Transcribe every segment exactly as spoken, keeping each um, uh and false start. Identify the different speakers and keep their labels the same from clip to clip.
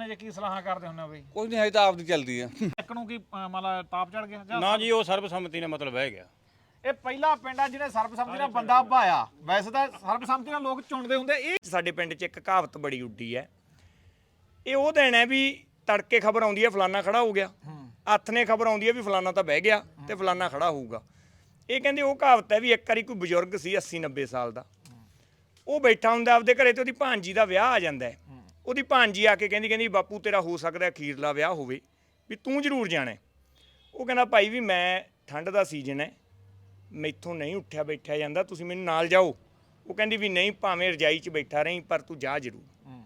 Speaker 1: 'ਚ ਕੀ ਸਲਾਹਾਂ ਕਰਦੇ ਹੁੰਦੇ ਹੋ ਬਈ?
Speaker 2: ਕੁਝ ਨਹੀਂ ਹੈ ਤਾਂ ਆਪਦੀ ਚੱਲਦੀ ਆ।
Speaker 1: ਇੱਕ ਨੂੰ ਕੀ ਮਤਲਬ ਤਾਪ ਚੜ ਗਿਆ ਜਾਂ
Speaker 3: ਨਾ ਜੀ ਉਹ ਸਰਬਸੰਮਤੀ ਨਾਲ ਮਤਲਬ ਬਹਿ ਗਿਆ।
Speaker 1: ਇਹ ਪਹਿਲਾ ਪਿੰਡ ਆ ਜਿਹਨੇ ਸਰਬਸੰਮਤੀ ਨਾਲ ਬੰਦਾ ਭਾਇਆ। ਵੈਸੇ ਤਾਂ ਸਰਬਸੰਮਤੀ ਨਾਲ ਲੋਕ ਚੁਣਦੇ ਹੁੰਦੇ। ਇਹ
Speaker 4: ਸਾਡੇ ਪਿੰਡ 'ਚ ਇੱਕ ਕਹਾਵਤ ਬੜੀ ਉੱਡੀ ਹੈ। ਇਹ ਉਹ ਦਿਨ ਹੈ ਵੀ ਤੜਕੇ ਖਬਰ ਆਉਂਦੀ ਹੈ ਫਲਾਨਾ ਖੜਾ ਹੋ ਗਿਆ, ਹੱਥ ਨੇ ਖਬਰ ਆਉਂਦੀ ਹੈ ਵੀ ਫਲਾਨਾ ਤਾਂ ਬਹਿ ਗਿਆ ਤੇ ਫਲਾਨਾ ਖੜਾ ਹੋਊਗਾ। ਇਹ ਕਹਿੰਦੇ ਉਹ ਕਹਾਵਤ ਹੈ ਵੀ ਇੱਕ ਵਾਰੀ ਕੋਈ ਬਜ਼ੁਰਗ ਸੀ ਅੱਸੀ ਨੱਬੇ ਸਾਲ ਦਾ, ਉਹ ਬੈਠਾ ਹੁੰਦਾ ਆਪਦੇ ਘਰੇ ਤੇ ਉਹਦੀ ਭਾਂਜੀ ਦਾ ਵਿਆਹ ਆ ਜਾਂਦਾ ਹੈ। ਉਹਦੀ ਭਾਂਜੀ ਆ ਕੇ ਕਹਿੰਦੀ ਕਹਿੰਦੀ ਬਾਪੂ ਤੇਰਾ ਹੋ ਸਕਦਾ ਅਖੀਰਲਾ ਵਿਆਹ ਹੋਵੇ, ਵੀ ਤੂੰ ਜ਼ਰੂਰ ਜਾਣਾ। ਉਹ ਕਹਿੰਦਾ ਭਾਈ ਵੀ ਮੈਂ ਠੰਡ ਦਾ ਸੀਜ਼ਨ ਹੈ, ਮੈਥੋਂ ਨਹੀਂ ਉੱਠਿਆ ਬੈਠਿਆ ਜਾਂਦਾ, ਤੁਸੀਂ ਮੈਨੂੰ ਨਾਲ ਜਾਓ। ਉਹ ਕਹਿੰਦੀ ਵੀ ਨਹੀਂ ਭਾਵੇਂ ਰਜਾਈ 'ਚ ਬੈਠਾ ਰਹੀਂ ਪਰ ਤੂੰ ਜਾ ਜ਼ਰੂਰ।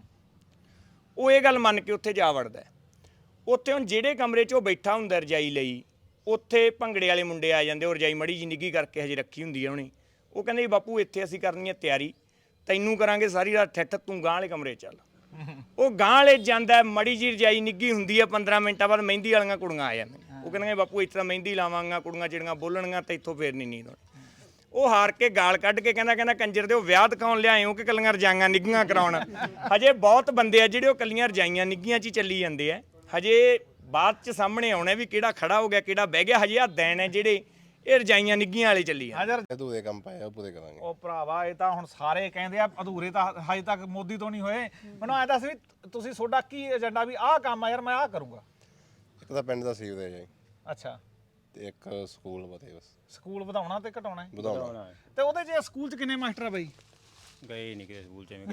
Speaker 4: ਉਹ ਇਹ ਗੱਲ ਮੰਨ ਕੇ ਉੱਥੇ ਜਾ ਵੜਦਾ। ਉੱਥੇ ਹੁਣ ਜਿਹੜੇ ਕਮਰੇ 'ਚ ਉਹ ਬੈਠਾ ਹੁੰਦਾ ਰਜਾਈ ਲਈ, ਉੱਥੇ ਭੰਗੜੇ ਵਾਲੇ ਮੁੰਡੇ ਆ ਜਾਂਦੇ। ਉਹ ਰਜਾਈ ਮੜੀ ਜੀ ਨਿੱਘੀ ਕਰਕੇ ਹਜੇ ਰੱਖੀ ਹੁੰਦੀ ਹੈ ਉਹਨੇ। ਉਹ ਕਹਿੰਦੇ ਬਾਪੂ ਇੱਥੇ ਅਸੀਂ ਕਰਨੀ ਹੈ ਤਿਆਰੀ, ਤੈਨੂੰ ਕਰਾਂਗੇ ਸਾਰੀ ਰਾਤ ਠੱਠ, ਤੂੰ ਗਾਂਹ ਵਾਲੇ ਕਮਰੇ ਚੱਲ। ਉਹ ਗਾਂਹ ਵਾਲੇ ਜਾਂਦਾ, ਮੜੀ ਜੀ ਰਜਾਈ ਨਿੱਘੀ ਹੁੰਦੀ ਹੈ, ਪੰਦਰਾਂ ਮਿੰਟਾਂ ਬਾਅਦ ਮਹਿੰਦੀ ਵਾਲੀਆਂ ਕੁੜੀਆਂ ਆ ਜਾਂਦੀਆਂ। ਉਹ ਕਹਿੰਦੇ ਬਾਪੂ ਇੱਥੇ ਤਾਂ ਮਹਿੰਦੀ ਲਾਵਾਂਗਾ, ਕੁੜੀਆਂ ਜਿਹੜੀਆਂ ਬੋਲਣਗੀਆਂ ਤੇ ਇੱਥੋਂ ਫੇਰ ਨਹੀਂ ਨੀਂਦ ਆਉਣੀ। ਉਹ ਹਾਰ ਕੇ ਗਾਲ ਕੱਢ ਕੇ ਕਹਿੰਦਾ ਕਹਿੰਦਾ ਕੰਜਰ ਦੇ ਉਹ ਵਿਆਹ ਦਿਖਾਉਣ ਲਿਆਏ ਹੋ ਕਿ ਕੱਲੀਆਂ ਰਜਾਈਆਂ ਨਿੱਘੀਆਂ ਕਰਾਉਣ। ਹਜੇ ਬਹੁਤ ਬੰਦੇ ਆ ਜਿਹੜੇ ਉਹ ਕੱਲੀਆਂ ਰਜਾਈਆਂ ਨਿੱਘੀਆਂ 'ਚ ਹੀ ਚੱਲੀ ਜਾਂਦੇ ਆ। ਹਜੇ ਬਾਅਦ 'ਚ ਸਾਹਮਣੇ ਆਉਣਾ ਵੀ ਕਿਹੜਾ ਖੜਾ ਹੋ ਗਿਆ ਕਿਹੜਾ ਬਹਿ ਗਿਆ। ਹਜੇ ਆ ਦਿਨ ਹੈ ਜਿਹੜੇ ਇਹ ਰਜਾਈਆਂ ਨਿੱਘੀਆਂ ਵਾਲੇ ਚੱਲੀ ਆ।
Speaker 5: ਅਧੂਰੇ ਕੰਮ ਪਏ ਆ, ਪੂਰੇ ਕਰਾਂਗੇ।
Speaker 1: ਉਹ ਭਰਾਵਾ ਇਹ ਤਾਂ ਹੁਣ ਸਾਰੇ ਕਹਿੰਦੇ ਆ ਅਧੂਰੇ ਤਾਂ ਹਜੇ ਤੱਕ ਮੋਦੀ ਤੋਂ ਨਹੀਂ ਹੋਏ। ਮੈਨੂੰ ਐਂ ਦੱਸ ਵੀ ਤੁਸੀਂ ਤੁਹਾਡਾ ਕੀ ਏਜੰਡਾ ਵੀ ਆਹ ਕੰਮ ਆ ਯਾਰ ਮੈਂ ਆਹ ਕਰੂੰਗਾ?
Speaker 5: ਇੱਕ ਤਾਂ ਪਿੰਡ ਦਾ ਸੀਵਰੇਜ ਹੈ
Speaker 1: ਅੱਛਾ,
Speaker 5: ਤੇ ਇੱਕ ਸਕੂਲ ਬਤੇ ਬਸ
Speaker 1: ਸਕੂਲ ਵਧਾਉਣਾ ਤੇ ਘਟਾਉਣਾ ਹੈ।
Speaker 5: ਵਧਾਉਣਾ।
Speaker 1: ਤੇ ਉਹਦੇ 'ਚ ਸਕੂਲ 'ਚ ਕਿੰਨੇ ਮਾਸਟਰ ਆ ਬਈ?
Speaker 3: ਗਏ ਨਹੀਂ ਕਿਸੇ ਸਕੂਲ 'ਚ ਐਵੇਂ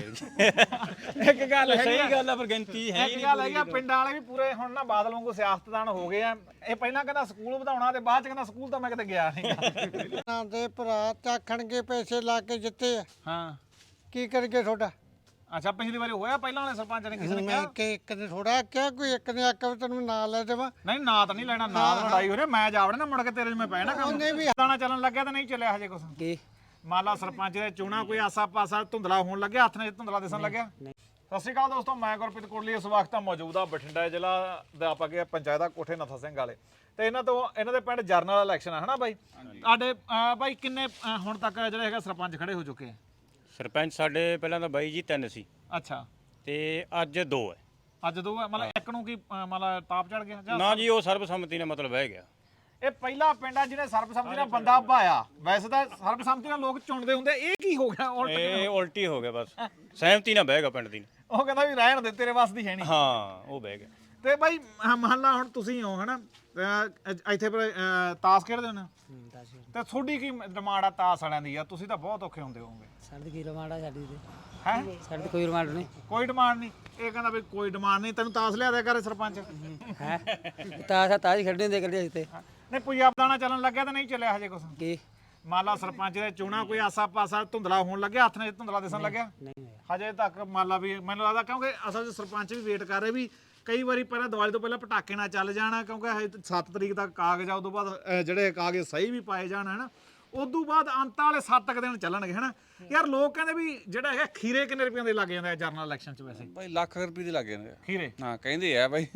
Speaker 3: ਗਏ।
Speaker 1: ਇੱਕ ਗੱਲ ਹੈ,
Speaker 3: ਸਹੀ ਗੱਲ ਆ ਪਰ ਗਿਣਤੀ ਹੈ
Speaker 1: ਇੱਕ ਗੱਲ ਹੈਗੀ ਆ ਪਿੰਡਾਂ ਵਾਲੇ ਵੀ ਪੂਰੇ ਹੁਣ ਨਾ ਬਾਦਲ ਵਾਂਗੂ ਸਿਆਸਤਦਾਨ ਹੋ ਗਏ ਆ। ਇਹ ਪਹਿਲਾਂ ਕਹਿੰਦਾ ਸਕੂਲ ਵਧਾਉਣਾ ਤੇ ਬਾਅਦ 'ਚ ਕਹਿੰਦਾ ਸਕੂਲ ਤਾਂ ਮੈਂ ਕਿਤੇ ਗਿਆ ਨਹੀਂ।
Speaker 6: ਨਾ ਦੇ ਭਰਾ ਚਾਖਣਗੇ ਪੈਸੇ ਲਾ ਕੇ ਜਿੱਤੇ ਆ,
Speaker 1: ਹਾਂ
Speaker 6: ਕੀ ਕਰਗੇ ਤੁਹਾਡਾ?
Speaker 1: ਅੱਛਾ, ਪਿਛਲੀ ਵਾਰੀ ਹੋਇਆ ਪਹਿਲਾਂ ਵਾਲੇ ਸਰਪੰਚ ਨੇ ਕਿਸੇ ਨੇ
Speaker 6: ਮੈਂ
Speaker 1: ਕਿਹਾ?
Speaker 6: ਕਿ ਇੱਕ ਨੇ ਥੋੜਾ ਆਖਿਆ, ਕੋਈ ਇੱਕ ਨੇ ਆਖਿਆ ਵੀ ਤੈਨੂੰ ਨਾਂ ਲੈ ਦੇਵਾਂ।
Speaker 1: ਨਹੀਂ ਨਾਂ ਤਾਂ ਨਹੀਂ ਲੈਣਾ, ਨਾਂ ਤਾਂ ਲੜਾਈ ਹੋ ਰਹੀ। ਮੈਂ ਜਾ ਵੜਨਾ ਮੁੜ ਕੇ ਤੇਰੇ 'ਚ ਮੈਂ ਪੈਣਾ ਕੰਮ।
Speaker 6: ਉਹਨੇ ਵੀ
Speaker 1: ਦਾਣਾ ਚੱਲਣ ਲੱਗਿਆ ਤਾਂ ਨਹੀਂ ਚੱਲਿਆ ਹਜੇ ਕੁਛ?
Speaker 6: ਕੀ
Speaker 1: ਮੰਨ ਲਾ ਸਰਪੰਚ ਦੇ ਚੋਣਾਂ ਕੋਈ ਆਸਾ ਪਾਸਾ ਧੁੰਦਲਾ ਹੋਣ ਲੱਗਿਆ, ਹੱਥ ਨੇ ਧੁੰਦਲਾ ਦਿਸਣ ਲੱਗਿਆ? ਸਤਿ ਸ਼੍ਰੀ ਅਕਾਲ ਦੋਸਤੋ, ਮੈਂ ਗੁਰਪ੍ਰੀਤ ਕੋਟਲੀ ਇਸ ਵਕਤ ਮੌਜੂਦ ਆ ਬਠਿੰਡਾ ਜ਼ਿਲ੍ਹਾ ਦਾ ਆਪਾਂ ਗਿਆ ਪੰਚਾਇਤ ਦਾ ਕੋਠੇ ਨਥਾ ਸਿੰਘ ਵਾਲੇ ਤੇ ਇਹਨਾਂ ਤੋਂ ਇਹਨਾਂ ਦੇ ਪਿੰਡ ਜਰਨਲ ਇਲੈਕਸ਼ਨ ਆ ਹਨਾ ਬਾਈ? ਤੁਹਾਡੇ ਬਾਈ ਕਿੰਨੇ ਅਹ, ਹੁਣ ਤੱਕ ਜਿਹੜੇ ਹੈਗਾ ਸਰਪੰਚ ਖੜੇ ਹੋ ਚੁੱਕੇ ਆ?
Speaker 3: ਸਰਪੰਚ ਸਾਡੇ ਪਹਿਲਾਂ ਤਾਂ ਬਾਈ ਜੀ ਤਿੰਨ ਸੀ
Speaker 1: ਅੱਛਾ,
Speaker 3: ਤੇ ਅੱਜ ਦੋ ਹੈ।
Speaker 1: ਅੱਜ ਦੋ ਆ, ਮਤਲਬ ਇੱਕ ਨੂੰ ਕੀ ਅਹ, ਮਤਲਬ ਤਾਪ ਚੜ ਗਿਆ ਜਾਂ?
Speaker 3: ਨਾ ਜੀ ਉਹ ਸਰਬਸੰਮਤੀ ਨਾਲ ਮਤਲਬ ਬਹਿ ਗਿਆ।
Speaker 1: ਇਹ ਪਹਿਲਾ ਪਿੰਡ ਆ ਜਿਹਨੇ ਸਰਬਸੰਮਤੀ ਨਾਲ ਬੰਦਾ ਭਾਇਆ। ਵੈਸੇ ਤਾਂ ਸਰਬਸੰਮਤੀ ਨਾਲ ਲੋਕ ਚੁਣਦੇ ਹੁੰਦੇ। ਇਹ ਕੀ ਹੋ ਗਿਆ ਉਲਟ?
Speaker 3: ਇਹ ਉਲਟੀ ਹੋ ਗਿਆ ਬਸ, ਸਹਿਮਤੀ ਨਾਲ ਬਹਿ ਗਿਆ ਪਿੰਡ ਦੀ।
Speaker 1: ਉਹ ਕਹਿੰਦਾ ਵੀ ਰਹਿਣ ਦੇ ਤੇਰੇ ਵੱਸ ਦੀ ਹੈ ਨਹੀਂ।
Speaker 3: ਹਾਂ ਉਹ ਬਹਿ ਗਿਆ।
Speaker 1: ਤੇ ਬਾਈ ਮਹੱਲਾ ਹੁਣ ਤੁਸੀਂ ਹੋ ਹਨਾ, ਅਹ ਇੱਥੇ ਪਰ ਅਹ ਤਾਸ਼ ਖੇਡਦੇ ਹੋ ਨਾ, ਤੇ ਤੁਹਾਡੀ ਕੀ ਡਿਮਾਂਡ ਆ ਤਾਸ਼ ਵਾਲਿਆਂ ਦੀ? ਆ ਤੁਸੀਂ ਤਾਂ ਬਹੁਤ ਔਖੇ ਹੁੰਦੇ ਹੋਵੋਗੇ।
Speaker 7: ਸਾਡੀ ਕੀ ਡਿਮਾਂਡ ਆ ਸਾਡੀ ਤੇ?
Speaker 1: ਹੈ
Speaker 7: ਸਾਡੀ ਕੋਈ ਡਿਮਾਂਡ ਨਹੀਂ।
Speaker 1: ਕੋਈ ਡਿਮਾਂਡ ਨਹੀਂ? ਇਹ ਕਹਿੰਦਾ ਵੀ ਕੋਈ ਡਿਮਾਂਡ ਨਹੀਂ, ਤੈਨੂੰ ਤਾਸ਼ ਲਿਆ ਦਿਆ ਕਰੇ ਸਰਪੰਚ।
Speaker 7: ਹੈ ਤਾਸ਼ ਤਾਸ਼ ਹੀ ਖੇਡਣੇ ਦੇ ਕੱਲੇ ਤੇ
Speaker 1: ਨਹੀਂ ਪੰਜਾਬ ਦਾਣਾ ਚੱਲਣ ਲੱਗਿਆ ਤਾਂ ਨਹੀਂ ਚੱਲਿਆ ਹਜੇ ਕੁਛ?
Speaker 7: ਕੀ
Speaker 1: ਮੰਨ ਲਾ ਸਰਪੰਚ ਦੇ ਚੋਣਾਂ ਕੋਈ ਆਸਾ ਪਾਸਾ ਧੁੰਦਲਾ ਹੋਣ ਲੱਗਿਆ, ਹੱਥ ਨੇ ਧੁੰਦਲਾ ਦਿਸਣ ਲੱਗਿਆ?
Speaker 7: ਨਹੀਂ ਹੋਇਆ
Speaker 1: ਹਜੇ ਤੱਕ ਮੰਨ ਲਾ ਵੀ ਮੈਨੂੰ ਲੱਗਦਾ ਕਿਉਂਕਿ ਅਸਲ 'ਚ ਸਰਪੰਚ ਵੀ ਵੇਟ ਕਰ ਰਹੇ ਵੀ ਕਈ ਵਾਰੀ ਪਹਿਲਾਂ ਦੀਵਾਲੀ ਤੋਂ ਪਹਿਲਾਂ ਪਟਾਕੇ ਨਾਲ ਚੱਲ ਜਾਣਾ, ਕਿਉਂਕਿ ਹਜੇ ਸੱਤ ਤਰੀਕ ਤੱਕ ਕਾਗਜ਼ ਆ, ਉਦੋਂ ਬਾਅਦ ਅਹ, ਜਿਹੜੇ ਕਾਗਜ਼ ਸਹੀ ਵੀ ਪਾਏ ਜਾਣ ਹਨਾ, ਉਦੋਂ ਬਾਅਦ ਅੰਤ ਵਾਲੇ ਸੱਤ ਕੁ ਦਿਨ ਚੱਲਣਗੇ ਹਨਾ। ਯਾਰ ਲੋਕ ਕਹਿੰਦੇ ਵੀ ਜਿਹੜਾ ਹੈਗਾ ਖੀਰੇ ਕਿੰਨੇ ਰੁਪਈਆਂ ਦੇ ਲੱਗ ਜਾਂਦੇ ਆ ਜਰਨਲ ਇਲੈਕਸ਼ਨ 'ਚ? ਵੈਸੇ
Speaker 2: ਬਾਈ ਲੱਖ ਰੁਪਏ ਦੇ ਲੱਗ ਜਾਂਦੇ
Speaker 1: ਖੀਰੇ?
Speaker 2: ਹਾਂ ਕਹਿੰਦੇ ਆ ਬਾਈ।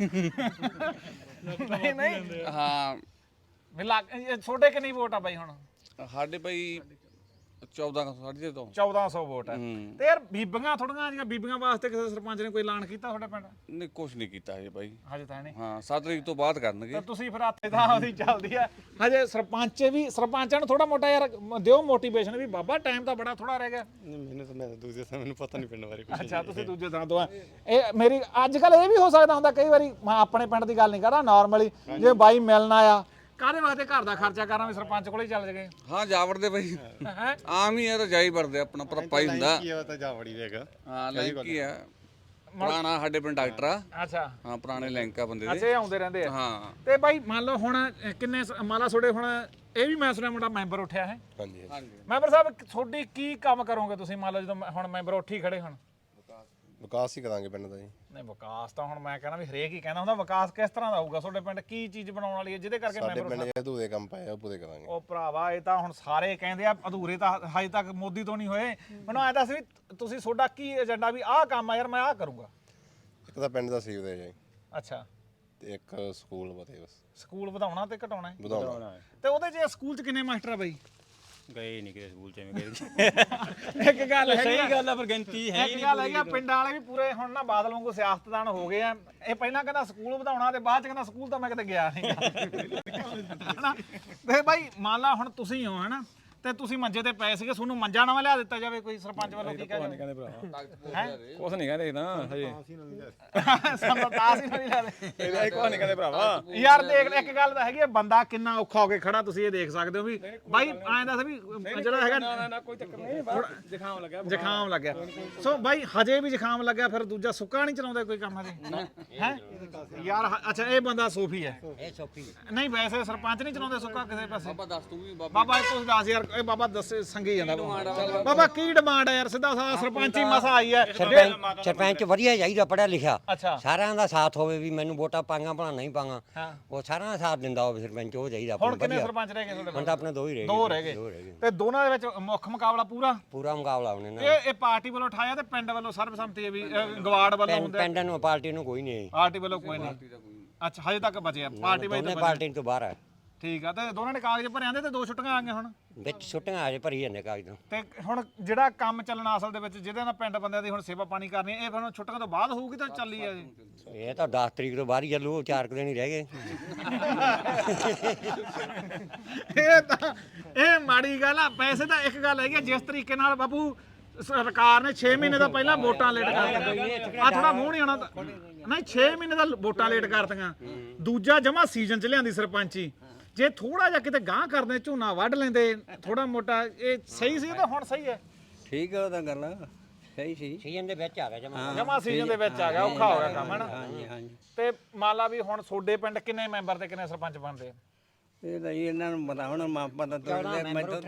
Speaker 1: ਨਹੀਂ ਨਹੀਂ
Speaker 2: ਹਾਂ
Speaker 1: ਵੀ ਲੱਗ ਇਹ ਤੁਹਾਡੇ ਕਿੰਨੀ ਵੋਟ ਆ ਬਾਈ ਹੁਣ?
Speaker 2: ਸਾਡੇ ਬਾਈ ਚੌਦਾਂ ਸਾਢੇ ਤੋਂ
Speaker 1: ਚੌਦਾਂ ਸੌ ਵੋਟ ਹੈ।
Speaker 2: ਹੂੰ।
Speaker 1: ਤੇ ਯਾਰ ਬੀਬੀਆਂ ਥੋੜੀਆਂ ਜਿਹੀਆਂ ਬੀਬੀਆਂ ਵਾਸਤੇ ਕਿਸੇ ਸਰਪੰਚ ਨੇ ਕੋਈ ਐਲਾਨ ਕੀਤਾ ਤੁਹਾਡੇ ਪਿੰਡ?
Speaker 2: ਨਹੀਂ ਕੁਛ ਨਹੀਂ ਕੀਤਾ ਹਜੇ ਬਾਈ।
Speaker 1: ਹਜੇ ਤਾਂ ਨਹੀਂ।
Speaker 2: ਹਾਂ ਸੱਤ ਤਰੀਕ ਤੋਂ ਬਾਅਦ ਕਰਨਗੇ।
Speaker 1: ਤਾਂ ਤੁਸੀਂ ਫਿਰ ਹੱਥੇ ਤਾਂ ਉਹਦੀ ਚੱਲਦੀ ਆ ਹਜੇ। ਸਰਪੰਚ ਵੀ ਸਰਪੰਚਾਂ ਨੂੰ ਥੋੜਾ ਮੋਟਾ ਯਾਰ ਦਿਓ ਮੋਟੀਵੇਸ਼ਨ ਵੀ ਬਾਬਾ ਟਾਈਮ ਤਾਂ ਬੜਾ ਥੋੜਾ ਰਹਿ ਗਿਆ।
Speaker 5: ਮੈਨੂੰ ਤਾਂ ਮੈਂ ਦੂਜੇ ਥਾਂ ਮੈਨੂੰ ਪਤਾ ਨਹੀਂ ਪਿੰਡ ਬਾਰੇ ਕੁਝ।
Speaker 1: ਅੱਛਾ, ਤੁਸੀਂ ਦੂਜੇ ਥਾਂ ਤੋਂ ਆ। ਇਹ ਮੇਰੀ ਅੱਜ ਕੱਲ ਇਹ ਵੀ ਹੋ ਸਕਦਾ ਹੁੰਦਾ ਕਈ ਵਾਰੀ, ਮੈਂ ਆਪਣੇ ਪਿੰਡ ਦੀ ਗੱਲ ਨਹੀਂ ਕਰਦਾ, ਨਾਰਮਲੀ ਜੇ ਬਾਈ ਮਿਲਣ ਆਇਆ ਕਾਹਦੇ ਵਾਸਤੇ ਘਰ ਦਾ ਖਰਚਾ ਕਰਾਂ ਵੀ ਸਰਪੰਚ ਕੋਲੇ ਚੱਲ ਜਗੇ?
Speaker 2: ਹਾਂ ਜਾ ਵੜਦੇ ਬਾਈ,
Speaker 1: ਹੈ
Speaker 2: ਆਮ ਹੀ ਆ, ਤਾਂ ਜਾ ਹੀ ਵੜਦੇ, ਆਪਣਾ ਭਰਪਾ ਹੀ ਹੁੰਦਾ।
Speaker 5: ਕੀ ਆ ਤਾਂ ਜਾ ਵੜੀ ਵੇਗਾ।
Speaker 2: ਹਾਂ ਲਿੰਕ ਹੀ ਆ, ਪੁਰਾਣਾ ਸਾਡੇ ਪਿੰਡ ਡਾਕਟਰ ਆ।
Speaker 1: ਅੱਛਾ
Speaker 2: ਹਾਂ ਪੁਰਾਣੇ ਲਿੰਕ ਆ ਬੰਦੇ ਦੇ।
Speaker 1: ਅੱਛਾ, ਇਹ ਆਉਂਦੇ ਰਹਿੰਦੇ ਆ।
Speaker 2: ਹਾਂ
Speaker 1: ਤੇ ਬਾਈ ਮੰਨ ਲਓ ਹੁਣ ਕਿੰਨੇ ਸ- ਮੰਨ ਲਾ ਤੁਹਾਡੇ ਹੁਣ ਇਹ ਵੀ ਮੈਂ ਸੁਣਿਆ ਮੁੰਡਾ ਮੈਂਬਰ ਉੱਠਿਆ ਹੈ।
Speaker 5: ਹਾਂਜੀ
Speaker 2: ਹਾਂਜੀ
Speaker 1: ਮੈਂਬਰ ਸਾਹਿਬ ਤੁਹਾਡੀ ਕੀ ਕੰਮ ਕਰੋਗੇ ਤੁਸੀਂ ਮੰਨ ਲਓ ਜਦੋਂ ਮੈਂ- ਹੁਣ ਮੈਂਬਰ ਉੱਠੀ ਖੜੇ ਹੁਣ?
Speaker 5: ਵਿਕਾਸ ਹੀ ਕਰਾਂਗੇ ਪਿੰਡ ਦਾ ਜੀ।
Speaker 1: ਨਹੀਂ ਵਿਕਾਸ ਤਾਂ ਹੁਣ ਮੈਂ ਕਹਿੰਦਾ ਵੀ ਹਰੇਕ ਹੀ ਕਹਿੰਦਾ ਹੁੰਦਾ। ਵਿਕਾਸ ਕਿਸ ਤਰ੍ਹਾਂ ਦਾ ਹੋਊਗਾ ਤੁਹਾਡੇ ਪਿੰਡ? ਕੀ ਚੀਜ਼ ਬਣਾਉਣ ਵਾਲੀ ਹੈ ਜਿਹਦੇ ਕਰਕੇ
Speaker 5: ਸਾਡੇ
Speaker 1: ਮੈਂਬਰ?
Speaker 5: ਪਿੰਡ 'ਚ ਅਧੂਰੇ ਕੰਮ ਪਏ ਆ, ਪੂਰੇ ਕਰਾਂਗੇ।
Speaker 1: ਉਹ ਭਰਾਵਾ ਇਹ ਤਾਂ ਹੁਣ ਸਾਰੇ ਕਹਿੰਦੇ ਆ ਅਧੂਰੇ ਤਾਂ ਹਜੇ ਤੱਕ ਮੋਦੀ ਤੋਂ ਨਹੀਂ ਹੋਏ। ਮੈਨੂੰ ਐਂ ਦੱਸ ਵੀ ਤੁਸੀਂ ਤੁਹਾਡਾ ਕੀ ਏਜੰਡਾ ਵੀ ਆਹ ਕੰਮ ਆ ਯਾਰ ਮੈਂ ਆਹ ਕਰੂੰਗਾ?
Speaker 5: ਇੱਕ ਤਾਂ ਪਿੰਡ ਦਾ ਸੀਵਰੇਜ ਹੈ
Speaker 1: ਅੱਛਾ,
Speaker 5: ਤੇ ਇੱਕ ਸਕੂਲ ਬਤੇ ਬਸ
Speaker 1: ਸਕੂਲ ਵਧਾਉਣਾ ਤੇ ਘਟਾਉਣਾ ਹੈ?
Speaker 5: ਵਧਾਉਣਾ।
Speaker 1: ਤੇ ਉਹਦੇ 'ਚ ਸਕੂਲ 'ਚ ਕਿੰਨੇ ਮਾਸਟਰ ਆ ਬਾਈ?
Speaker 3: ਗਏ ਨਹੀਂ ਕਿਤੇ ਸਕੂਲ ਚ ਐਵੇਂ ਕਰੀ
Speaker 1: ਇੱਕ ਗੱਲ ਹੈਗੀ
Speaker 3: ਸਹੀ
Speaker 1: ਆ,
Speaker 3: ਗੱਲ ਆ ਪਰ ਗਿਣਤੀ ਹੈ
Speaker 1: ਇੱਕ ਗੱਲ ਹੈਗੀ ਆ, ਪਿੰਡਾਂ ਵਾਲੇ ਵੀ ਪੂਰੇ ਹੁਣ ਨਾ ਬਾਦਲ ਵਾਂਗੂ ਸਿਆਸਤਦਾਨ ਹੋ ਗਏ ਆ। ਇਹ ਪਹਿਲਾਂ ਕਹਿੰਦਾ ਸਕੂਲ ਵਧਾਉਣਾ ਤੇ ਬਾਅਦ ਚ ਕਹਿੰਦਾ ਸਕੂਲ ਤਾਂ ਮੈਂ ਕਿਤੇ ਗਿਆ ਨਹੀਂ। ਤੇ ਬਾਈ ਮੰਨ ਲਾ ਹੁਣ ਤੁਸੀਂ ਹੋ ਹਨਾ, ਤੇ ਤੁਸੀਂ ਮੰਜੇ ਤੇ ਪਏ ਸੀਗੇ, ਤੁਹਾਨੂੰ ਮੰਜਾ ਨਵਾਂ ਲਿਆ ਦਿੱਤਾ ਜਾਵੇ ਕੋਈ ਸਰਪੰਚ ਵੱਲੋਂ, ਕੀ ਕਹਿੰਦੇ
Speaker 2: ਕਹਿੰਦੇ ਭਰਾ ਕੁਛ ਨਹੀਂ ਕਹਿੰਦੇ ਨਾ ਹਜੇ
Speaker 1: ਸਾਨੂੰ ਤਾਸ ਹੀ ਨਹੀਂ ਲਿਆ ਦੇ।
Speaker 2: ਇਹਦਾ ਇੱਕ ਕੁਛ ਨਹੀਂ ਕਹਿੰਦੇ ਭਰਾਵਾ
Speaker 1: ਯਾਰ ਦੇਖ ਇੱਕ ਗੱਲ ਤਾਂ ਹੈਗੀ ਆ, ਬੰਦਾ ਕਿੰਨਾ ਔਖਾ ਹੋ ਕੇ ਖੜਾ, ਤੁਸੀਂ ਇਹ ਦੇਖ ਸਕਦੇ ਹੋ ਵੀ ਬਾਈ ਐਂ ਦੱਸ ਵੀ ਜਿਹੜਾ ਹੈਗਾ
Speaker 2: ਨਾ ਨਾ ਕੋਈ ਚੱਕਰ ਨਹੀਂ ਬਸ ਜ਼ੁਕਾਮ ਲੱਗਿਆ
Speaker 1: ਜ਼ੁਕਾਮ ਲੱਗਿਆ। ਸੋ ਬਾਈ ਹਜੇ ਵੀ ਜ਼ੁਕਾਮ ਲੱਗਿਆ, ਫਿਰ ਦੂਜਾ ਸੁੱਕਾ ਨਹੀਂ ਚਲਾਉਂਦੇ ਕੋਈ ਕੰਮ ਹਜੇ ਹੈ ਯਾਰ? ਹ- ਅੱਛਾ ਇਹ ਬੰਦਾ ਸੋਫੀ ਹੈ,
Speaker 7: ਇਹ ਸੋਫੀ
Speaker 1: ਨਹੀਂ ਵੈਸੇ ਸਰਪੰਚ ਨਹੀਂ ਚਲਾਉਂਦੇ ਸੁੱਕਾ ਕਿਸੇ ਪਾਸੇ।
Speaker 2: ਬਾਬਾ ਦੱਸ ਤੂੰ ਵੀ ਬਾਬਾ
Speaker 1: ਬਾਬਾ ਤੁਸੀਂ ਦੱਸ ਯਾਰ, ਇਹ ਬਾਬਾ ਦੱਸੇ ਸੰਗੀ ਜਾਂਦਾ ਬਾਬਾ। ਬਾਬਾ ਕੀ ਡਿਮਾਂਡ ਹੈ ਯਾਰ? ਸਿੱਧਾ ਸਾਦਾ ਸਰਪੰਚ ਹੀ ਮਸਾ ਆਈ ਹੈ।
Speaker 7: ਸਰਪੰਚ ਸਰਪੰਚ ਵਧੀਆ ਚਾਹੀਦਾ, ਪੜਿਆ ਲਿਖਿਆ,
Speaker 1: ਅੱਛਾ
Speaker 7: ਸਾਰਿਆਂ ਦਾ ਸਾਥ ਹੋਵੇ, ਵੀ ਮੈਨੂੰ ਵੋਟਾਂ ਪਾਂਗਾ ਭਲਾ ਨਹੀਂ ਪਾਂਗਾ,
Speaker 1: ਹਾਂ।
Speaker 7: ਉਹ ਸਾਰਿਆਂ ਦਾ ਸਾਥ ਦਿੰਦਾ ਹੋਵੇ ਸਰਪੰਚ, ਉਹ ਚਾਹੀਦਾ ਆਪਾਂ
Speaker 1: ਹੁਣ
Speaker 7: ਨੂੰ
Speaker 1: ਕਿੰਨੇ
Speaker 7: ਵਧੀਆ।
Speaker 1: ਸਰਪੰਚ ਰਹਿ ਗਏ ਤੁਹਾਡੇ
Speaker 7: ਹੁਣ
Speaker 1: ਕੋਲ?
Speaker 7: ਤਾਂ ਆਪਣੇ ਦੋ ਹੀ ਰਹਿ ਗਏ
Speaker 1: ਦੋ ਰਹਿ
Speaker 7: ਦੋ
Speaker 1: ਗਏ
Speaker 7: ਰਹਿ ਗਏ
Speaker 1: ਤੇ ਦੋਨਾਂ ਦੇ ਵਿੱਚ ਮੁੱਖ ਮੁਕਾਬਲਾ ਪੂਰਾ
Speaker 7: ਪੂਰਾ ਮੁਕਾਬਲਾ ਉਹਨੇ ਨਾਲ।
Speaker 1: ਇਹ ਇਹ ਪਾਰਟੀ ਵੱਲੋਂ ਉਠਾਇਆ ਤੇ ਪਿੰਡ ਵੱਲੋਂ ਸਰਬਸੰਮਤੀ ਹੈ ਵੀ ਅਹ, ਗਵਾੜ ਵੱਲੋਂ
Speaker 7: ਪਿੰਡ
Speaker 1: ਹੁੰਦਾ,
Speaker 7: ਪਿੰਡ ਨੂੰ ਪਾਰਟੀ ਨੂੰ ਕੋਈ ਨਹੀਂ,
Speaker 1: ਪਾਰਟੀ ਵੱਲੋਂ ਕੋਈ ਨਹੀਂ। ਅੱਛਾ ਹਜੇ ਤੱਕ ਬਚਿਆ ਪਾਰਟੀ ਵਾਈ
Speaker 7: ਦੋਨੇ
Speaker 1: ਤਾਂ
Speaker 7: ਪਾਰਟੀ ਤੋਂ ਬਾਹਰ ਆ,
Speaker 1: ਠੀਕ ਆ। ਤੇ ਦੋਨਾਂ ਨੇ ਕਾਗਜ਼ ਭਰੇ ਆਂਦੇ ਤੇ ਦੋ ਛੁੱਟੀਆਂ ਆ ਗਈਆਂ ਹੁਣ।
Speaker 7: ਵਿੱਚ ਛੁੱਟੀਆਂ ਆਜੇ ਭਰੀ ਜਾਂਦੇ ਕਾਗਜ਼।
Speaker 1: ਤੇ ਹੁਣ ਜਿਹੜਾ ਕੰਮ ਚੱਲਣਾ ਅਸਲ ਦੇ ਵਿੱਚ ਜਿਹਦੇ ਨਾਲ ਪਿੰਡ ਬੰਦਿਆਂ ਦੀ ਹੁਣ ਸੇਵਾ ਪਾਣੀ ਕਰਨੀ, ਇਹ ਫਿਰ ਹੁਣ ਛੁੱਟੀਆਂ ਤੋਂ ਬਾਅਦ ਹੋਊਗੀ ਤਾਂ ਚੱਲੀ ਆ ਜੀ?
Speaker 7: ਇਹ ਤਾਂ ਦਸ ਤਰੀਕ ਤੋਂ ਬਾਹਰ ਹੀ ਚੱਲੂ, ਚਾਰ ਕੁ ਦਿਨ ਹੀ ਰਹਿ ਗਏ।
Speaker 1: ਇਹ ਤਾਂ ਇਹ ਮਾੜੀ ਗੱਲ ਆ। ਪੈਸੇ ਤਾਂ ਇੱਕ ਗੱਲ ਹੈਗੀ ਆ, ਜਿਸ ਤਰੀਕੇ ਨਾਲ ਬਾਪੂ ਸਰਕਾਰ ਨੇ ਛੇ ਮਹੀਨੇ ਦਾ ਪਹਿਲਾਂ ਵੋਟਾਂ ਲੇਟ ਕਰਤੀਆਂ, ਆ ਥੋੜਾ ਮੂੰਹ ਨਹੀਂ ਆਉਣਾ ਤਾਂ- ਨਹੀਂ ਛੇ ਮਹੀਨੇ ਦਾ ਵੋਟਾਂ ਲੇਟ ਕਰਤੀਆਂ, ਦੂਜਾ ਜਮਾ ਸੀਜ਼ਨ ਚ ਲਿਆਂਦੀ ਸਰਪੰਚੀ। ਜੇ ਥੋੜਾ ਜਿਹਾ ਕਿਤੇ ਗਾਂਹ ਕਰਦੇ, ਝੋਨਾ ਵੱਢ ਲੈਂਦੇ ਥੋੜਾ ਮੋਟਾ, ਇਹ ਸਹੀ ਸੀ ਤਾਂ ਹੁਣ ਸਹੀ ਹੈ?
Speaker 8: ਠੀਕ ਹੈ ਉਹਦਾ ਗੱਲ ਸਹੀ ਸੀ
Speaker 7: ਸੀਜ਼ਨ ਦੇ ਵਿੱਚ ਆ ਗਿਆ ਜਮਾ।
Speaker 1: ਜਮਾ ਸੀਜ਼ਨ ਦੇ ਵਿੱਚ ਆ ਗਿਆ, ਔਖਾ ਹੋ ਗਿਆ ਕੰਮ ਹੈ ਨਾ।
Speaker 8: ਹਾਂਜੀ ਹਾਂਜੀ
Speaker 1: ਤੇ ਮੰਨ ਲਾ ਵੀ ਹੁਣ ਤੁਹਾਡੇ ਪਿੰਡ ਕਿੰਨੇ ਮੈਂਬਰ ਤੇ ਕਿੰਨੇ ਸਰਪੰਚ ਬਣਦੇ?
Speaker 8: ਇਹ ਤਾਂ ਜੀ ਇਹਨਾਂ ਨੂੰ ਪਤਾ ਹੁਣ ਮਾਪਾ ਦਾ ਤੋੜਦੇ ਮੈਂ ਤਾਂ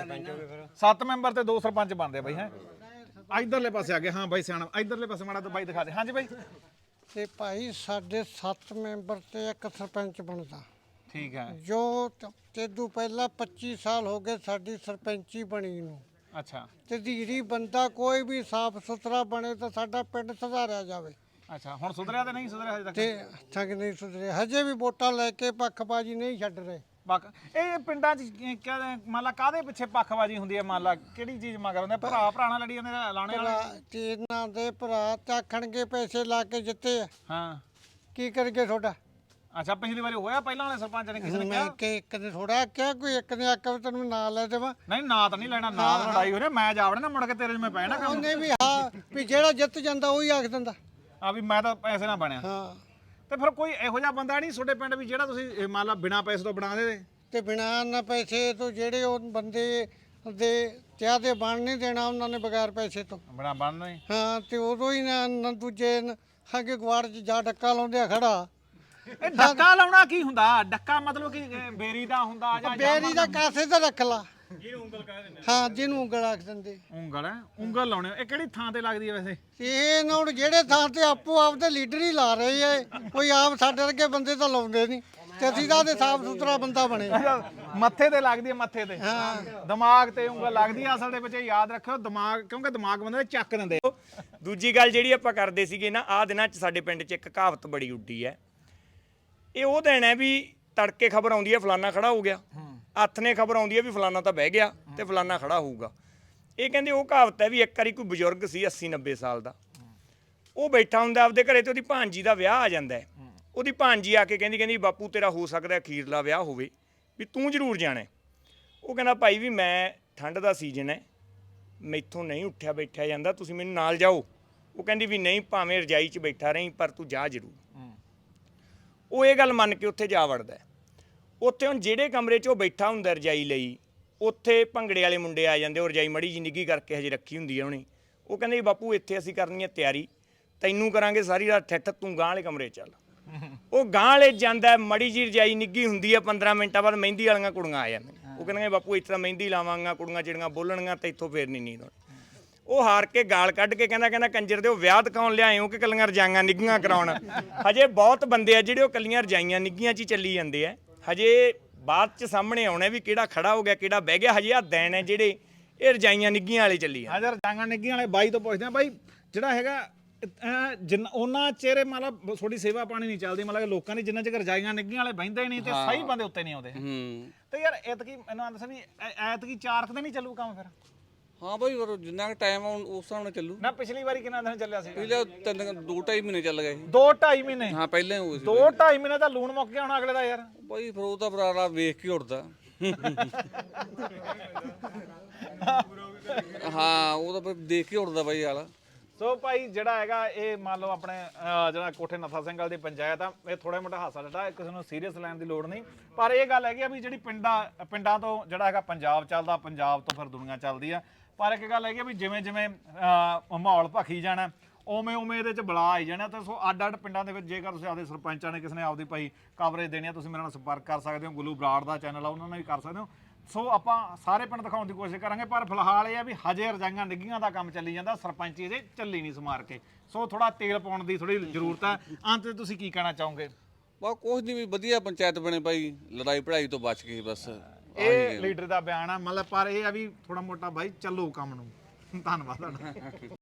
Speaker 1: ਸੱਤ ਮੈਂਬਰ ਤੇ ਦੋ ਸਰਪੰਚ ਬਣਦੇ ਬਈ ਹੈ। ਇਧਰਲੇ ਪਾਸੇ ਆ ਗਏ, ਹਾਂ ਬਾਈ ਸਿਆਣਾ, ਇਧਰਲੇ ਪਾਸੇ ਮਾੜਾ ਤਾਂ ਬਾਈ ਦਿਖਾ ਦੇ। ਹਾਂਜੀ ਬਾਈ
Speaker 6: ਤੇ ਭਾਈ ਸਾਡੇ ਸੱਤ ਮੈਂਬਰ ਤੇ ਇੱਕ ਸਰਪੰਚ ਬਣਦਾ,
Speaker 1: ਠੀਕ ਹੈ।
Speaker 6: ਜੋ ਤ- ਤੇਦੂ ਪਹਿਲਾਂ ਪੱਚੀ ਸਾਲ ਹੋ ਗਏ ਸਾਡੀ ਸਰਪੰਚੀ ਬਣੀ ਨੂੰ।
Speaker 1: ਅੱਛਾ
Speaker 6: ਤੇ ਧੀਰੀ ਬੰਦਾ ਕੋਈ ਵੀ ਸਾਫ ਸੁਥਰਾ ਬਣੇ ਤਾਂ ਸਾਡਾ ਪਿੰਡ ਸੁਧਾਰਿਆ ਜਾਵੇ।
Speaker 1: ਅੱਛਾ ਹੁਣ ਸੁਧਰਿਆ ਤੇ ਨਹੀਂ ਸੁਧਰਿਆ ਹਜੇ ਤੱਕ?
Speaker 6: ਤੇ ਠੱਗ ਨਹੀਂ ਸੁਧਰੇ, ਹਜੇ ਵੀ ਵੋਟਾਂ ਲੈ ਕੇ ਪੱਖਬਾਜੀ ਨਹੀਂ ਛੱਡ ਰਹੇ।
Speaker 1: ਪੱਕ ਇਹ ਪਿੰਡਾਂ 'ਚ ਕੀ ਕਹਿੰਦੇ ਮੰਨ ਲਾ ਕਾਹਦੇ ਪਿੱਛੇ ਪੱਖਬਾਜੀ ਹੁੰਦੀ ਹੈ? ਮੰਨ ਲਾ ਕਿਹੜੀ ਚੀਜ਼ ਮਗਰ ਹੁੰਦੇ? ਭਰਾ ਭਰਾ ਨਾਲ ਲੜੀ ਜਾਂਦੇ ਨੇ ਲਾਣੇ ਵਾਲੇ।
Speaker 6: ਭਰਾ ਤੇ ਇਹਨਾਂ ਦੇ ਭਰਾ ਚਾਖਣਗੇ ਪੈਸੇ ਲਾ ਕੇ ਜਿੱਤੇ ਆ,
Speaker 1: ਹਾਂ
Speaker 6: ਕੀ ਕਰਗੇ ਤੁਹਾਡਾ?
Speaker 1: ਅੱਛਾ ਪਿਛਲੀ ਵਾਰੀ ਹੋਇਆ ਪਹਿਲਾਂ ਵਾਲੇ ਸਰਪੰਚ ਨੇ ਕਿਸੇ ਨੇ
Speaker 6: ਮੈਂ
Speaker 1: ਕਿਹਾ?
Speaker 6: ਕਿ ਇੱਕ ਨੇ ਥੋੜਾ ਕਿਹਾ, ਕੋਈ ਇੱਕ ਨੇ ਆਖਿਆ ਵੀ ਤੈਨੂੰ ਨਾਂ ਲੈ ਦੇਵਾਂ।
Speaker 1: ਨਹੀਂ ਨਾਂ ਤਾਂ ਨਹੀਂ ਲੈਣਾ, ਨਾਂ ਤਾਂ ਲੜਾਈ ਹੋ ਰਹੀ, ਮੈਂ ਜਾਵੜੇ ਨਾ ਮੁੜ ਕੇ ਤੇਰੇ 'ਚ ਮੈਂ ਪੈਣਾ ਕੰਮ।
Speaker 6: ਉਹਨੇ ਵੀ ਹਾਂ ਵੀ ਜਿਹੜਾ ਜਿੱਤ ਜਾਂਦਾ ਉਹੀ ਆਖ ਦਿੰਦਾ।
Speaker 1: ਆ ਵੀ ਮੈਂ ਤਾਂ ਪੈਸੇ ਨਾਲ ਬਣਿਆ।
Speaker 6: ਹਾਂ
Speaker 1: ਤੇ ਫਿਰ ਕੋਈ ਇਹੋ ਜਿਹਾ ਬੰਦਾ ਨਹੀਂ ਤੁਹਾਡੇ ਪਿੰਡ ਵੀ ਜਿਹੜਾ ਤੁਸੀਂ ਇਹ ਮੰਨ ਲਾ ਬਿਨਾਂ ਪੈਸੇ ਤੋਂ ਬਣਾ ਦੇ?
Speaker 6: ਤੇ ਬਿਨਾਂ ਨਾ ਪੈਸੇ ਤੋਂ ਜਿਹੜੇ ਉਹ ਬੰਦੇ ਦੇ ਚਾਹ ਦੇ ਬਣ ਨਹੀਂ ਦੇਣਾ ਉਹਨਾਂ ਨੇ ਬਗੈਰ ਪੈਸੇ ਤੋਂ।
Speaker 1: ਬਣਾ ਬਣਨਾ ਹੀ।
Speaker 6: ਹਾਂ ਤੇ ਉਦੋਂ ਹੀ ਨਾ ਨਾ ਦੂਜੇ ਨ- ਅੱਗੇ ਗਵਾੜ 'ਚ ਜਾ ਡੱਕਾ ਲਾਉਂਦੇ ਆ ਖੜਾ।
Speaker 1: ਇਹ ਡੱਕਾ ਲਾਉਣਾ ਕੀ ਹੁੰਦਾ? ਡੱਕਾ ਮਤਲਬ ਕਿ ਇਹ ਬੇਰੀ ਦਾ ਹੁੰਦਾ ਜਾਂ
Speaker 6: ਬੇਰੀ ਦਾ ਕਾਸੇ ਤੇ ਰੱਖ ਲਾ, ਹਾਂ ਜਿਹਨੂੰ ਉਂਗਲ ਆਖ ਦਿੰਦੇ।
Speaker 1: ਉਂਗਲ ਹੈ, ਉਂਗਲ ਲਾਉਣੇ। ਇਹ ਕਿਹੜੀ ਥਾਂ ਤੇ ਲੱਗਦੀ ਹੈ ਵੈਸੇ?
Speaker 6: ਇਹ ਨਾ ਹੁਣ ਜਿਹੜੇ ਥਾਂ ਤੇ ਆਪੋ ਆਪ ਦੇ ਲੀਡਰ ਹੀ ਲਾ ਰਹੇ ਐ, ਕੋਈ ਆਪ ਸਾਡੇ ਵਰਗੇ ਬੰਦੇ ਤਾਂ ਲਾਉਂਦੇ ਨਹੀਂ। ਤੇ ਅਸੀਂ ਤਾਂ ਉਹਦੇ ਸਾਫ ਸੁਥਰਾ ਬੰਦਾ ਬਣੇ।
Speaker 1: ਮੱਥੇ ਤੇ ਲੱਗਦੀ ਹੈ, ਮੱਥੇ ਤੇ ਦਿਮਾਗ ਤੇ ਉਂਗਲ ਲੱਗਦੀ ਹੈ। ਅਸਲ ਦੇ ਵਿੱਚ ਇਹ ਯਾਦ ਰੱਖਿਓ, ਦਿਮਾਗ ਕਿਉਂਕਿ ਦਿਮਾਗ ਬੰਦੇ ਦੇ ਚੱਕ ਦਿੰਦੇ।
Speaker 4: ਦੂਜੀ ਗੱਲ ਜਿਹੜੀ ਆਪਾਂ ਕਰਦੇ ਸੀਗੇ ਨਾ, ਆਹ ਦਿਨਾਂ 'ਚ ਸਾਡੇ ਪਿੰਡ 'ਚ ਇੱਕ ਕਹਾਵਤ ਬੜੀ ਉੱਡੀ ਹੈ। ਇਹ ਉਹ ਦਿਨ ਹੈ ਵੀ ਤੜਕੇ ਖਬਰ ਆਉਂਦੀ ਹੈ ਫਲਾਨਾ ਖੜਾ ਹੋ ਗਿਆ, ਹੱਥ ਨੇ ਖਬਰ ਆਉਂਦੀ ਹੈ ਵੀ ਫਲਾਨਾ ਤਾਂ ਬਹਿ ਗਿਆ ਤੇ ਫਲਾਨਾ ਖੜਾ ਹੋਊਗਾ। ਇਹ ਕਹਿੰਦੇ ਉਹ ਕਹਾਵਤ ਹੈ ਵੀ ਇੱਕ ਵਾਰੀ ਕੋਈ ਬਜ਼ੁਰਗ ਸੀ ਅੱਸੀ ਨੱਬੇ ਸਾਲ ਦਾ, ਉਹ ਬੈਠਾ ਹੁੰਦਾ ਆਪਦੇ ਘਰੇ ਤੇ ਉਹਦੀ ਭਾਂਜੀ ਦਾ ਵਿਆਹ ਆ ਜਾਂਦਾ ਹੈ। ਉਹਦੀ ਭਾਂਜੀ ਆ ਕੇ ਕਹਿੰਦੀ ਕਹਿੰਦੀ ਬਾਪੂ ਤੇਰਾ ਹੋ ਸਕਦਾ ਅਖੀਰਲਾ ਵਿਆਹ ਹੋਵੇ, ਵੀ ਤੂੰ ਜ਼ਰੂਰ ਜਾਣਾ। ਉਹ ਕਹਿੰਦਾ ਭਾਈ ਵੀ ਮੈਂ ਠੰਡ ਦਾ ਸੀਜ਼ਨ ਹੈ, ਮੈਥੋਂ ਨਹੀਂ ਉੱਠਿਆ ਬੈਠਿਆ ਜਾਂਦਾ, ਤੁਸੀਂ ਮੈਨੂੰ ਨਾਲ ਜਾਓ। ਉਹ ਕਹਿੰਦੀ ਵੀ ਨਹੀਂ, ਭਾਵੇਂ ਰਜਾਈ 'ਚ ਬੈਠਾ ਰਹੀਂ ਪਰ ਤੂੰ ਜਾ ਜ਼ਰੂਰ। ਉਹ ਇਹ ਗੱਲ ਮੰਨ ਕੇ ਉੱਥੇ ਜਾ ਵੜਦਾ। ਉੱਥੇ ਹੁਣ ਜਿਹੜੇ ਕਮਰੇ 'ਚ ਉਹ ਬੈਠਾ ਹੁੰਦਾ ਰਜਾਈ ਲਈ, ਉੱਥੇ ਭੰਗੜੇ ਵਾਲੇ ਮੁੰਡੇ ਆ ਜਾਂਦੇ। ਉਹ ਰਜਾਈ ਮੜੀ ਜੀ ਨਿੱਘੀ ਕਰਕੇ ਹਜੇ ਰੱਖੀ ਹੁੰਦੀ ਹੈ ਉਹਨੇ। ਉਹ ਕਹਿੰਦੇ ਵੀ ਬਾਪੂ ਇੱਥੇ ਅਸੀਂ ਕਰਨੀ ਹੈ ਤਿਆਰੀ, ਤੈਨੂੰ ਕਰਾਂਗੇ ਸਾਰੀ ਰਾਤ ਠੱਠ, ਤੂੰ ਗਾਂਹ ਵਾਲੇ ਕਮਰੇ 'ਚ ਚੱਲ। ਉਹ ਗਾਂਹ ਵਾਲੇ ਜਾਂਦਾ, ਮੜੀ ਜੀ ਰਜਾਈ ਨਿੱਘੀ ਹੁੰਦੀ ਹੈ, ਪੰਦਰਾਂ ਮਿੰਟਾਂ ਬਾਅਦ ਮਹਿੰਦੀ ਵਾਲੀਆਂ ਕੁੜੀਆਂ ਆ ਜਾਂਦੀਆਂ। ਉਹ ਕਹਿੰਦੇ ਬਾਪੂ ਇੱਥੇ ਤਾਂ ਮਹਿੰਦੀ ਲਾਵਾਂਗਾ, ਕੁੜੀਆਂ ਜਿਹੜੀਆਂ ਬੋਲਣਗੀਆਂ ਤੇ ਇੱਥੋਂ ਫੇਰ ਨਹੀਂ ਨੀਂਦ ਆਉਣੀ। ਉਹ ਹਾਰ ਕੇ ਗਾਲ ਕੱਢ ਕੇ ਕਹਿੰਦਾ ਕਹਿੰਦਾ ਕੰਜਰ ਦੇ ਉਹ ਵਿਆਹ ਦਿਖਾਉਣ ਲਿਆਏ ਹੋ ਕਿ ਕੱਲੀਆਂ ਰਜਾਈਆਂ ਨਿੱਘੀਆਂ ਕਰਾਉਣ? ਹਜੇ ਬਹੁਤ ਬੰਦੇ ਆ ਜਿਹੜੇ ਉਹ ਕੱਲੀਆਂ ਰਜਾਈਆਂ ਨਿੱਘੀਆਂ 'ਚ ਹੀ ਚੱਲੀ ਜਾਂਦੇ ਆ। ਹਜੇ ਬਾਅਦ 'ਚ ਸਾਹਮਣੇ ਆਉਣਾ ਵੀ ਕਿਹੜਾ ਖੜਾ ਹੋ ਗਿਆ ਕਿਹੜਾ ਬਹਿ ਗਿਆ। ਹਜੇ ਆ ਦਿਨ ਹੈ ਜਿਹੜੇ ਇਹ ਰਜਾਈਆਂ ਨਿੱਘੀਆਂ ਵਾਲੇ ਚੱਲੀ ਆ।
Speaker 1: ਹਾਜ਼ਰ ਰਜਾਈਆਂ ਨਿੱਗੀਆਂ ਵਾਲੇ ਬਾਈ ਤੋਂ ਪੁੱਛਦੇ ਆ ਬਾਈ, ਜਿਹੜਾ ਹੈਗਾ ਅਹ ਜਿੰਨਾ ਉਹਨਾਂ ਚਿਹਰੇ ਮਤਲਬ ਥੋੜੀ ਸੇਵਾ ਪਾਣੀ ਨਹੀਂ ਚੱਲਦੀ ਮਤਲਬ ਕਿ ਲੋਕਾਂ ਦੀ ਜਿੰਨਾ ਚਿਰ ਰਜਾਈਆਂ ਨਿੱਗੀਆਂ ਵਾਲੇ ਬਹਿੰਦੇ ਨਹੀਂ ਤੇ ਸਹੀ ਬੰਦੇ ਉੱਤੇ ਨਹੀਂ ਆਉਂਦੇ
Speaker 2: ਹੂੰ
Speaker 1: ਤੇ ਯਾਰ ਐਤਕੀ ਮੈਨੂੰ ਆਂਦਾ ਸੀ ਵੀ ਐ- ਐਤਕੀ ਚਾਰ ਕੁ ਦਿਨ ਹੀ ਚੱਲੂ ਕੰਮ ਫਿਰ
Speaker 2: ਹਾਂ ਬਾਈ ਪਰ ਜਿੰਨਾ ਕੁ ਟਾਈਮ ਆ ਉਸ ਹਿਸਾਬ ਨਾਲ ਚੱਲੂ
Speaker 1: ਨਾ ਪਿਛਲੀ ਵਾਰੀ ਕਿੰਨਾ ਦਿਨ ਚੱਲਿਆ ਸੀ
Speaker 2: ਪਹਿਲਾਂ ਤਿੰਨ ਦੋ ਢਾਈ ਮਹੀਨੇ ਚੱਲ ਗਏ ਸੀ।
Speaker 1: ਦੋ ਢਾਈ ਮਹੀਨੇ
Speaker 2: ਹਾਂ ਪਹਿਲਾਂ ਹੀ ਹੋਏ ਸੀ
Speaker 1: ਦੋ ਢਾਈ ਮਹੀਨੇ ਤਾਂ ਲੂਣ ਮੁੱਕ ਗਿਆ ਹੁਣ ਅਗਲੇ ਦਾ ਯਾਰ
Speaker 2: ਬਾਈ ਫਿਰ ਉਹ ਤਾਂ ਬਰਾੜਾ ਵੇਖ ਕੇ ਉੱਡਦਾ ਹਾਂ ਉਹ ਤਾਂ ਫਿਰ ਦੇਖ ਕੇ ਉੱਡਦਾ ਬਾਈ ਹਾਲ
Speaker 1: ਸੋ ਭਾਈ ਜਿਹੜਾ ਹੈਗਾ ਇਹ ਮੰਨ ਲਓ ਆਪਣੇ ਅਹ, ਜਿਹੜਾ ਕੋਠੇ ਨੱਥਾ ਸਿੰਘ ਵਾਲ ਦੀ ਪੰਚਾਇਤ ਆ ਇਹ ਥੋੜਾ ਮੋਟਾ ਹਾਸਾ ਡਟਾ ਕਿਸੇ ਨੂੰ ਸੀਰੀਅਸ ਲੈਣ ਦੀ ਲੋੜ ਨਹੀਂ ਪਰ ਇਹ ਗੱਲ ਹੈਗੀ ਆ ਵੀ ਜਿਹੜੀ ਪਿੰਡਾਂ ਪਿੰਡਾਂ ਤੋਂ ਜਿਹੜਾ ਹੈਗਾ ਪੰਜਾਬ ਚੱਲਦਾ ਪੰਜਾਬ ਤੋਂ ਫਿਰ ਦੁਨੀਆ ਚੱਲਦੀ ਆ ਪਰ ਇੱਕ ਗੱਲ ਹੈਗੀ ਆ ਵੀ ਜਿਵੇਂ ਜਿਵੇਂ ਅਹ, ਮਾਹੌਲ ਭਖੀ ਜਾਣਾ ਉਵੇਂ ਉਵੇਂ ਇਹਦੇ ਚ ਬਲਾ ਆਈ ਜਾਣਾ ਤੇ ਸੋ ਅੱਡ ਅੱਡ ਪਿੰਡਾਂ ਦੇ ਵਿੱਚ ਜੇਕਰ ਤੁਸੀਂ ਆਪਦੇ ਸਰਪੰਚਾਂ ਨੇ ਕਿਸੇ ਨੇ ਆਪਦੀ ਭਾਈ ਕਵਰੇਜ ਦੇਣੀ ਆ ਤੁਸੀਂ ਮੇਰੇ ਨਾਲ ਸੰਪਰਕ ਕਰ ਸਕਦੇ ਹੋ ਗੁੱਲੂ ਬਰਾੜ ਦਾ ਚੈਨਲ ਆ ਉਹਨਾਂ ਨਾਲ ਵੀ ਕਰ ਸਕਦੇ ਹੋ ਸੋ ਆਪਾਂ ਸਾਰੇ ਪਿੰਡ ਦਿਖਾਉਣ ਦੀ ਕੋਸ਼ਿਸ਼ ਕਰਾਂਗੇ ਪਰ ਫਿਲਹਾਲ ਇਹ ਆ ਵੀ ਹਜੇ ਰਜਾਈਆਂ ਨਿੱਗੀਆਂ ਦਾ ਕੰਮ ਚੱਲੀ ਜਾਂਦਾ ਸਰਪੰਚੀ ਇਹਦੇ ਚੱਲੀ ਨਹੀਂ ਸਮਾਰ ਕੇ ਸੋ ਥੋੜਾ ਤੇਲ ਪਾਉਣ ਦੀ ਥੋੜੀ ਜ਼ਰੂਰਤ ਹੈ ਅੰਤ ਤੇ ਤੁਸੀਂ ਕੀ ਕਹਿਣਾ ਚਾਹੋਗੇ
Speaker 2: ਬਾ ਕੁਛ ਨਹੀਂ ਵੀ ਵਧੀਆ ਪੰਚਾਇਤ ਬਣੇ ਬਾਈ ਲੜਾਈ ਪੜਾਈ ਤੋਂ ਬਚ ਕੇ ਬਸ
Speaker 1: ਇਹ ਲੀਡਰ ਦਾ ਬਿਆਨ ਆ ਮਤਲਬ ਪਰ ਇਹ ਆ ਵੀ ਥੋੜਾ ਮੋਟਾ ਬਾਈ ਚੱਲੋ ਕੰਮ ਨੂੰ ਧੰਨਵਾਦ ਤੁਹਾਡਾ